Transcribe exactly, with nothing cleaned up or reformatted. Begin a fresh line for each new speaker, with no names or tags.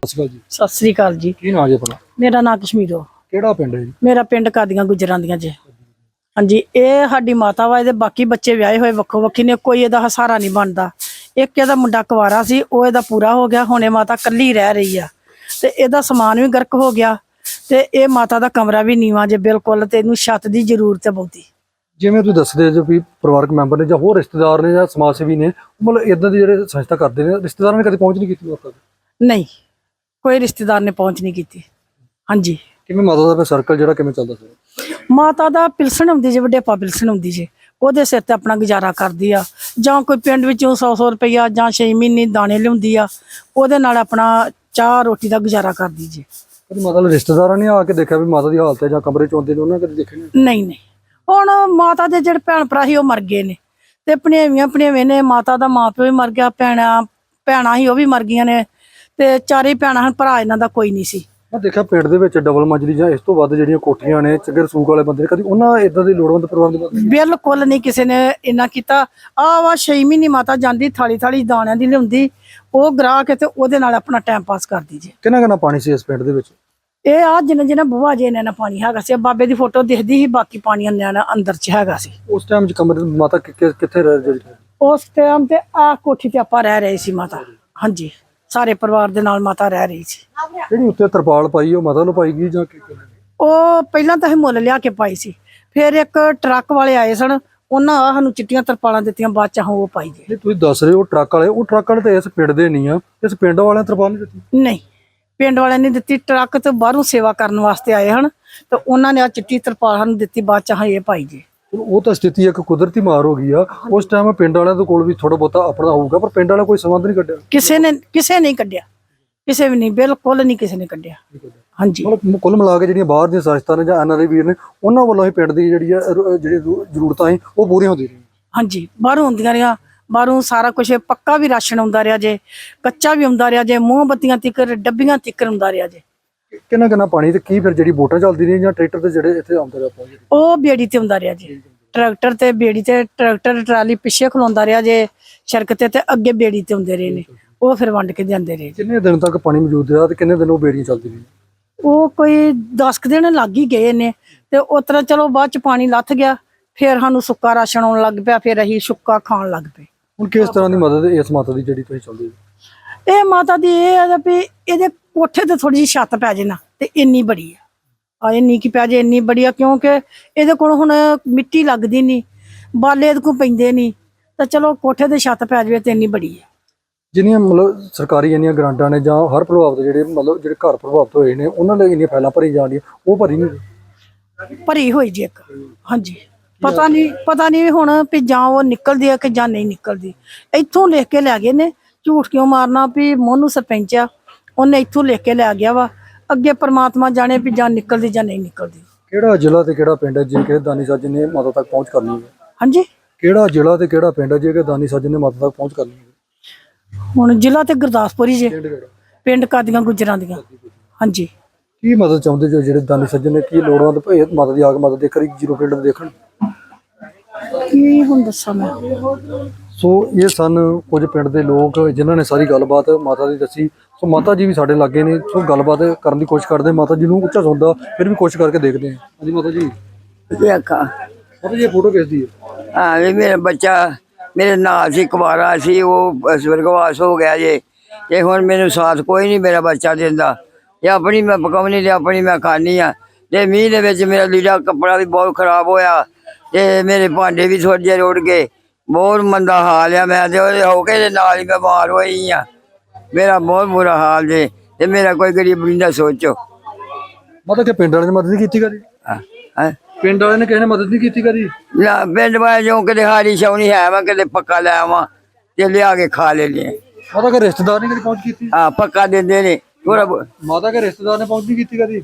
ਸਤਿ ਸ਼੍ਰੀ ਅਕਾਲ ਜੀ।
ਸਤਿ ਸ੍ਰੀ ਅਕਾਲ ਜੀ।
ਕੀ ਨਾਂ ਜੀ ਆਪਣਾ?
ਮੇਰਾ ਨਾਂ ਕਸ਼ਮੀਰੋ।
ਕਿਹੜਾ ਪਿੰਡ ਹੈ ਜੀ?
ਮੇਰਾ ਪਿੰਡ ਕਾਦੀਆਂ ਗੁਜਰਾਂ ਦੀਆਂ ਜੀ। ਹਾਂਜੀ, ਇਹ ਸਾਡੀ ਮਾਤਾ ਵਾ। ਇਹਦੇ ਬਾਕੀ ਬੱਚੇ ਵਿਆਹੇ ਹੋਏ ਵੱਖੋ ਵੱਖੀ ਨੇ, ਕੋਈ ਇਹਦਾ ਸਹਾਰਾ ਨਹੀਂ ਬਣਦਾ। ਇੱਕ ਇਹਦਾ ਮੁੰਡਾ ਕੁਵਾਰਾ ਸੀ, ਉਹ ਇਹਦਾ ਪੂਰਾ ਹੋ ਗਿਆ। ਹੁਣ ਇਹ ਮਾਤਾ ਕੱਲੀ ਰਹਿ ਰਹੀ ਆ ਤੇ ਇਹਦਾ ਸਮਾਨ ਵੀ ਗਰਕ ਹੋ ਗਿਆ ਤੇ ਇਹ ਮਾਤਾ ਦਾ ਕਮਰਾ ਵੀ ਨੀਵਾਂ ਜੇ ਬਿਲਕੁਲ, ਤੇ ਇਹਨੂੰ ਛੱਤ ਦੀ ਜ਼ਰੂਰਤ ਹੈ ਬਹੁਤੀ।
ਜਿਵੇਂ ਤੁਸੀਂ ਦੱਸਦੇ ਜੋ ਵੀ ਪਰਿਵਾਰਕ ਮੈਂਬਰ ਨੇ ਜਾਂ ਹੋਰ ਰਿਸ਼ਤੇਦਾਰ ਨੇ ਜਾਂ ਸਮਾਜ ਸੇਵੀ ਨੇ, ਮਤਲਬ ਇਦਾਂ ਦੀ ਜਿਹੜੇ ਸੰਸਥਾ ਕਰਦੇ ਨੇ, ਰਿਸ਼ਤੇਦਾਰਾਂ ਨੇ ਕਦੇ ਪਹੁੰਚ ਨਹੀਂ ਕੀਤੀ ਲੋਕਾਂ ਤੱਕ?
ਨਹੀਂ, ਕੋਈ ਰਿਸ਼ਤੇਦਾਰ ਨੇ ਪਹੁੰਚ ਨਹੀਂ ਕੀਤੀ। ਹਾਂਜੀ।
ਕਿਵੇਂ ਮਾਤਾ ਦਾ ਸਰਕਲ ਜਿਹੜਾ ਕਿਵੇਂ ਚੱਲਦਾ ਸੀ?
ਮਾਤਾ ਦਾ ਪਿਲਸਣ ਆਉਂਦੀ ਜੇ, ਵਡੇਪਾ ਪਿਲਸਣ ਆਉਂਦੀ ਜੇ, ਉਹਦੇ ਸਿਰ ਤੇ ਆਪਣਾ ਗੁਜ਼ਾਰਾ ਕਰਦੀ ਆ। ਜਾਂ ਕੋਈ ਪਿੰਡ ਵਿੱਚੋਂ ਸੌ ਸੌ ਰੁਪਈਆ ਜਾਂ ਛੇ ਮਹੀਨੇ ਦਾਣੇ ਲਿਆਉਂਦੀ ਆ, ਉਹਦੇ ਨਾਲ ਆਪਣਾ ਚਾਹ ਰੋਟੀ ਦਾ ਗੁਜ਼ਾਰਾ ਕਰਦੀ ਜੇ।
ਕਦੇ ਮਾਤਾ ਦੇ ਰਿਸ਼ਤੇਦਾਰਾਂ ਨੇ ਆ ਕੇ ਦੇਖਿਆ ਵੀ ਮਾਤਾ ਦੀ ਹਾਲਤ ਹੈ ਜਾਂ ਕਮਰੇ ਚ ਆਉਂਦੇ ਨੇ, ਉਹਨਾਂ ਕਦੇ ਦੇਖੇ ਨਹੀਂ?
ਨਹੀਂ ਨਹੀਂ, ਹੁਣ ਮਾਤਾ ਦੇ ਜਿਹੜੇ ਭੈਣ ਭਰਾ ਸੀ ਉਹ ਮਰ ਗਏ ਨੇ, ਤੇ ਭਣੇਵੀਆਂ ਭਣੇਵੇਂ ਨੇ। ਮਾਤਾ ਦਾ ਮਾਂ ਪਿਓ ਵੀ ਮਰ ਗਿਆ, ਭੈਣਾਂ ਭੈਣਾਂ ਸੀ ਉਹ ਵੀ ਮਰ ਗਈਆਂ ਨੇ, ਤੇ ਚਾਰੇ ਭੈਣਾਂ ਹਨ, ਭਰਾ ਇਹਨਾਂ ਦਾ ਕੋਈ ਨਹੀਂ ਸੀ।
ਮੈਂ ਦੇਖਿਆ ਪਿੰਡ ਦੇ ਵਿੱਚ ਡਬਲ ਮੰਜ਼ਲੀ ਜਾਂ ਇਸ ਤੋਂ ਵੱਧ ਜਿਹੜੀਆਂ ਕੋਠੀਆਂ ਨੇ, ਚੱਗਰ ਸੂਕ ਵਾਲੇ ਬੰਦੇ ਨੇ, ਕਦੀ ਉਹਨਾਂ ਇਦਾਂ ਦੀ ਲੋੜਵੰਦ ਪਰਿਵਾਰ ਦੀ ਮਦਦ?
ਬਿਲਕੁਲ ਨਹੀਂ, ਕਿਸੇ ਨੇ ਇੰਨਾ ਕੀਤਾ। ਆਹ ਵਾ ਛੇ ਮਹੀਨੇ ਮਾਤਾ ਜਾਂਦੀ, ਥਾਲੀ ਥਾਲੀ ਦਾਣਿਆਂ ਦੀ ਲਿਆਉਂਦੀ, ਉਹ ਗਰਾਹ ਕੇ ਤੇ ਉਹਦੇ ਨਾਲ ਆਪਣਾ ਟਾਈਮ ਪਾਸ ਕਰਦੀ ਜੇ।
ਕਿੰਨਾ ਕਿੰਨਾ ਪਾਣੀ ਸੀ ਇਸ ਪਿੰਡ ਦੇ ਵਿੱਚ?
ਇਹ ਆ ਜਿੰਨਾ ਜਿੰਨਾ ਬੂਹਾ ਜੇ ਇਹਨਾਂ ਪਾਣੀ ਹੈਗਾ ਸੀ। ਬਾਬੇ ਦੀ ਫੋਟੋ ਦਿਖਦੀ ਸੀ, ਬਾਕੀ ਪਾਣੀ ਨਿਆਣਾ ਅੰਦਰ ਚ ਹੈਗਾ ਸੀ।
ਉਸ ਟਾਈਮ ਚ ਕਮਰੇ ਮਾਤਾ ਕਿੱਥੇ ਰਹਿ ਜਿਹੜੀ?
ਉਸ ਟਾਈਮ ਤੇ ਆ ਕੋਠੀ ਤੇ ਆਪਾਂ ਰਹਿ ਰਹੇ ਸੀ ਮਾਤਾ। ਹਾਂਜੀ, ਸਾਰੇ ਪਰਿਵਾਰ ਦੇ ਨਾਲ ਮਾਤਾ ਰਹਿ ਰਹੀ ਸੀ।
ਜਿਹੜੀ ਉੱਤੇ ਤਰਪਾਲ ਪਾਈ ਉਹ ਮਾਤਾ ਨੂੰ ਪਾਈ ਗਈ ਜਾਂ ਕੀ?
ਉਹ ਪਹਿਲਾਂ ਤਾਂ ਅਸੀਂ ਮੁੱਲ ਲਿਆ ਕੇ ਪਾਈ ਸੀ, ਫਿਰ ਇੱਕ ਟਰੱਕ ਵਾਲੇ ਆਏ ਸਨ, ਉਹਨਾਂ ਆ ਸਾਨੂੰ ਚਿੱਟੀਆਂ ਤਰਪਾਲਾਂ ਦਿੱਤੀਆਂ, ਬਾਅਦ ਚ ਉਹ ਪਾਈ ਗਏ।
ਜੇ ਤੁਸੀਂ ਦੱਸ ਰਹੇ ਹੋ ਟਰੱਕ ਵਾਲੇ, ਉਹ ਟਰੱਕ ਵਾਲੇ ਤਾਂ ਇਸ ਪਿੰਡ ਦੇ ਨਹੀਂ ਆ, ਇਸ ਪਿੰਡ ਵਾਲਿਆਂ ਤਰਪਾਲ ਨਹੀਂ ਦਿੱਤੀ?
ਨਹੀਂ, ਪਿੰਡ ਵਾਲਿਆਂ ਨੇ ਦਿੱਤੀ। ਟਰੱਕ ਤੋਂ ਬਾਹਰੋਂ ਸੇਵਾ ਕਰਨ ਵਾਸਤੇ ਆਏ ਹਨ, ਤੇ ਉਹਨਾਂ ਨੇ ਆ ਚਿੱਟੀ ਤਰਪਾਲ ਸਾਨੂੰ ਦਿੱਤੀ, ਬਾਅਦ ਚ ਇਹ ਪਾਈ ਜੇ।
ਉਹ ਤਾਂ ਸਥਿਤੀ ਇੱਕ ਕੁਦਰਤੀ ਮਾਰ ਹੋ ਗਈ ਆ। ਉਸ ਟਾਈਮ ਪਿੰਡ ਵਾਲਿਆਂ ਦੇ ਕੋਲ ਵੀ ਥੋੜਾ ਬਹੁਤਾ ਆਪਣਾ ਹੋਊਗਾ, ਪਰ ਪਿੰਡ ਵਾਲਾ ਕੋਈ ਸੰਬੰਧ ਨਹੀਂ ਕੱਢਿਆ?
ਕਿਸੇ ਨੇ ਕਿਸੇ ਨਹੀਂ ਕੱਢਿਆ, ਕਿਸੇ ਵੀ ਨਹੀਂ, ਬਿਲਕੁਲ ਨਹੀਂ ਕਿਸੇ ਨੇ ਕੱਢਿਆ। ਹਾਂਜੀ,
ਮਤਲਬ ਕੁੱਲ ਮਿਲਾ ਕੇ ਜਿਹੜੀਆਂ ਬਾਹਰ ਦੀਆਂ ਸੰਸਥਾਵਾਂ ਨੇ ਜਾਂ ਐਨ ਆਰ ਆਈ ਵੀਰ ਨੇ, ਉਹਨਾਂ ਵੱਲੋਂ ਹੀ ਪਿੰਡ ਦੀ ਜਿਹੜੀ ਆ ਜਿਹੜੀ ਜ਼ਰੂਰਤਾਂ ਸੀ ਉਹ ਪੂਰੀਆਂ ਹੁੰਦੀਆਂ ਰਹੀਆਂ।
ਹਾਂਜੀ, ਬਾਹਰੋਂ ਹੁੰਦੀਆਂ ਰਹੀਆਂ, ਬਾਹਰੋਂ ਸਾਰਾ ਕੁਝ ਪੱਕਾ ਵੀ ਰਾਸ਼ਨ ਆਉਂਦਾ ਰਿਹਾ ਜੇ, ਕੱਚਾ ਵੀ ਆਉਂਦਾ ਰਿਹਾ ਜੇ, ਮੋਮਬੱਤੀਆਂ ਤਿੱਕਰ ਡੱਬੀਆਂ ਤਿੱਕਰ ਆਉਂਦਾ ਰਿਹਾ ਜੇ।
ਕਿੰਨਾ ਕਿੰਨਾ ਪਾਣੀ ਤੇ ਕੀ ਫਿਰ ਜਿਹੜੀ ਬੋਟਾਂ ਚੱਲਦੀ ਰਹੀਆਂ ਜਾਂ ਟਰੈਕਟਰ ਤੇ ਜਿਹੜੇ ਇੱਥੇ ਆਉਂਦੇ ਰਹੇ ਆਪਾਂ?
ਉਹ ਬੇੜੀ ਤੇ ਆਉਂਦਾ ਰਿਹਾ ਜੀ, ਟਰੈਕਟਰ ਤੇ ਬੇੜੀ ਤੇ, ਟਰੈਕਟਰ ਟਰਾਲੀ ਪਿੱਛੇ ਖਲੋਂਦਾ ਰਿਹਾ ਜੇ ਸੜਕ ਤੇ, ਤੇ ਅੱਗੇ ਬੇੜੀ ਤੇ ਆਉਂਦੇ ਰਹੇ ਨੇ, ਉਹ ਫਿਰ ਵੰਡ ਕੇ ਜਾਂਦੇ ਰਹੇ।
ਕਿੰਨੇ ਦਿਨ ਤੱਕ ਪਾਣੀ ਮੌਜੂਦ ਰਿਹਾ ਤੇ ਕਿੰਨੇ ਦਿਨ ਉਹ ਬੇੜੀਆਂ ਚੱਲਦੀ ਰਹੀਆਂ?
ਉਹ ਕੋਈ ਦਸ ਕੁ ਦਿਨ ਲੱਗ ਹੀ ਗਏ ਨੇ, ਤੇ ਉਸ ਤਰ੍ਹਾਂ ਚਲੋ ਬਾਅਦ ਚ ਪਾਣੀ ਲੱਥ ਗਿਆ, ਫਿਰ ਸਾਨੂੰ ਸੁੱਕਾ ਰਾਸ਼ਨ ਆਉਣ ਲੱਗ ਪਿਆ, ਫਿਰ ਅਸੀਂ ਸੁੱਕਾ ਖਾਣ ਲੱਗ ਪਏ।
ਹੁਣ ਕਿਸ ਤਰ੍ਹਾਂ ਦੀ ਮਦਦ ਇਸ ਮਾਤਾ ਦੀ ਜਿਹੜੀ ਤੁਸੀਂ ਚਾਹੁੰਦੇ ਹੋ?
ਇਹ ਮਾਤਾ ਦੀ ਇਹ ਹੈ ਵੀ ਇਹਦੇ ਕੋਠੇ ਤੇ ਥੋੜੀ ਜਿਹੀ ਛੱਤ ਪੈ ਜੇ ਨਾ, ਤੇ ਇੰਨੀ ਬੜੀ ਆ, ਆ ਇੰਨੀ ਕੀ ਪੈ ਜੇ, ਇੰਨੀ ਬੜੀ ਆ, ਕਿਉਂਕਿ ਇਹਦੇ ਕੋਲ ਹੁਣ ਮਿੱਟੀ ਲੱਗਦੀ ਨਹੀਂ, ਬਾਲੇ ਇਹਦੇ ਕੋਲ ਪੈਂਦੇ ਨਹੀਂ, ਤਾਂ ਚਲੋ ਕੋਠੇ ਤੇ ਛੱਤ ਪੈ ਜਾਵੇ ਤੇ ਇੰਨੀ ਬੜੀ ਆ।
ਜਿੰਨੀਆਂ ਮਤਲਬ ਸਰਕਾਰੀ ਇੰਨੀਆਂ ਗ੍ਰਾਂਟਾਂ ਨੇ ਜਾਂ ਹਰ ਪ੍ਰਭਾਵਿਤ ਜਿਹੜੇ ਮਤਲਬ ਜਿਹੜੇ ਘਰ ਪ੍ਰਭਾਵਿਤ ਹੋਏ ਨੇ, ਉਹਨਾਂ ਲਈ ਇੰਨੀਆਂ ਫਾਈਲਾਂ ਭਰੀ ਜਾਂਦੀਆਂ, ਉਹ ਭਰੀ ਨਹੀਂ?
ਭਰੀ ਹੋਈ ਜੀ ਇੱਕ। ਹਾਂਜੀ, ਪਤਾ ਨਹੀਂ ਪਤਾ ਨਹੀਂ ਹੁਣ ਵੀ ਜਾਂ ਉਹ ਨਿਕਲਦੀ ਆ ਕਿ ਜਾਂ ਨਹੀਂ ਨਿਕਲਦੀ। ਇੱਥੋਂ ਲਿਖ ਕੇ ਲੈ ਗਏ ਨੇ, ਝੂਠ ਕਿਉਂ ਮਾਰਨਾ ਵੀ ਮੋਨੂ ਸਰਪੰਚ ਆ, ਉਹਨੇ ਇੱਥੋਂ ਲਿਖ ਕੇ ਲੈ ਗਿਆ ਵਾ, ਅੱਗੇ ਪਰਮਾਤਮਾ ਜਾਣੇ ਵੀ ਜਾਂ ਨਿਕਲਦੀ ਜਾਂ ਨਹੀਂ ਨਿਕਲਦੀ।
ਕਿਹੜਾ ਜ਼ਿਲ੍ਹਾ ਤੇ ਕਿਹੜਾ ਪਿੰਡ ਹੈ ਜੇ ਕਿਸੇ ਦਾਨੀ ਸਾਜਨ ਨੇ ਮਾਤਾ ਤੱਕ ਪਹੁੰਚ ਕਰਨੀ ਹੈ?
ਹਾਂਜੀ,
ਕਿਹੜਾ ਜ਼ਿਲ੍ਹਾ ਤੇ ਕਿਹੜਾ ਪਿੰਡ ਹੈ ਜੇ ਕਿਸੇ ਦਾਨੀ ਸਾਜਨ ਨੇ ਮਾਤਾ ਤੱਕ ਪਹੁੰਚ ਕਰਨੀ ਹੈ?
ਹੁਣ ਜ਼ਿਲ੍ਹਾ ਤੇ ਗੁਰਦਾਸਪੁਰ ਹੀ ਜੇ,
ਪਿੰਡ ਕਿਹੜਾ?
ਪਿੰਡ ਕਾਦੀਆਂ ਗੁਜਰਾਂ ਦੀਆਂ। ਹਾਂਜੀ।
ਕੀ ਮਦਦ ਚਾਹੁੰਦੇ ਜੋ ਜਿਹੜੇ ਦਾਨੀ ਸੱਜਣ ਨੇ, ਕੀ ਲੋੜਵੰਦ ਭੇਤ ਮਾਤਾ ਦੀ ਆ ਕੇ ਮਦਦ ਦੇ ਕਰੀ ਜੀਰੋ ਪਿੰਡ ਦੇਖਣ?
ਕੀ ਹੁਣ ਦੱਸਾਂ ਮੈਂ।
ਸੋ ਇਹ ਸਨ ਕੁਝ ਪਿੰਡ ਦੇ ਲੋਕ ਜਿਨ੍ਹਾਂ ਨੇ ਸਾਰੀ ਗੱਲਬਾਤ ਮਾਤਾ ਦੀ ਦੱਸੀ। ਸੋ ਮਾਤਾ ਜੀ ਵੀ ਸਾਡੇ ਲਾਗੇ ਨੇ, ਸੋ ਗੱਲਬਾਤ ਕਰਨ ਦੀ ਕੋਸ਼ਿਸ਼ ਕਰਦੇ। ਮਾਤਾ ਜੀ ਨੂੰ ਉੱਚਾ ਸੁਣਦਾ, ਫਿਰ ਵੀ ਕੋਸ਼ਿਸ਼ ਕਰਕੇ ਦੇਖਦੇ ਹਾਂ। ਹਾਂਜੀ ਮਾਤਾ ਜੀ। ਮਾਤਾ ਜੀ ਫੋਟੋ ਕਿਸ ਦੀ ਹੈ?
ਹਾਂ, ਇਹ ਮੇਰਾ ਬੱਚਾ ਮੇਰੇ ਨਾਲ ਸੀ, ਕੁਵਾਰਾ ਸੀ, ਉਹ ਸਵਰਗਵਾਸ ਹੋ ਗਿਆ ਜੇ, ਤੇ ਹੁਣ ਮੈਨੂੰ ਸਾਥ ਕੋਈ ਨਹੀਂ ਮੇਰਾ ਬੱਚਾ ਦਿੰਦਾ। ਇਹ ਆਪਣੀ ਮੈਂ ਪਕਾਉਣੀ ਤੇ ਆਪਣੀ ਮੈਂ ਖਾਣੀ ਆ, ਤੇ ਮੀਂਹ ਦੇ ਵਿੱਚ ਮੇਰਾ ਲੀੜਾ ਕੱਪੜਾ ਵੀ ਬਹੁਤ ਖਰਾਬ ਹੋਇਆ, ਤੇ ਮੇਰੇ ਭਾਂਡੇ ਵੀ ਥੋੜ੍ਹੇ ਜਿਹੇ ਰੁੜ ਗਏ। ਬਹੁਤ ਮੰਦਾ ਹਾਲ ਆ, ਮੈਂ ਤੇ ਉਹਦੇ ਹੋ ਕੇ ਦੇ ਨਾਲ ਹੀ ਬਿਮਾਰ ਹੋਈ ਆ। ਮੇਰਾ ਬਹੁਤ ਬੁਰਾ ਹਾਲ ਜੇ, ਤੇ ਮੇਰਾ ਕੋਈ ਗਰੀਬੀ ਦਾ ਸੋਚੋ।
ਮਾਤਾ ਕਿ ਪਿੰਡ ਵਾਲਿਆਂ ਨੇ ਮਦਦ ਨਹੀਂ ਕੀਤੀ ਕਦੀ?
ਹਾਂ,
ਪਿੰਡ ਵਾਲਿਆਂ ਨੇ ਕਿਸੇ ਨੇ ਮਦਦ ਨਹੀਂ ਕੀਤੀ ਕਦੀ?
ਨਾ, ਪਿੰਡ ਵਾਲੇ ਜੋ ਕਿਤੇ ਹਾਰੀ ਛਾਉਣੀ ਹੈ ਵਾ, ਕਿਤੇ ਪੱਕਾ ਲੈ ਆਵਾਂ ਤੇ ਲਿਆ ਕੇ ਖਾ ਲੈਣੇ।
ਮਾਤਾ ਕਿ ਰਿਸ਼ਤੇਦਾਰ ਨੇ ਕਦੀ ਪਹੁੰਚ ਕੀਤੀ?
ਹਾਂ, ਪੱਕਾ ਦਿੰਦੇ ਨੇ ਥੋੜਾ।
ਮਾਤਾ ਕੇ ਰਿਸ਼ਤੇਦਾਰ ਨੇ ਪਹੁੰਚ ਨਹੀਂ ਕੀਤੀ ਕਦੀ?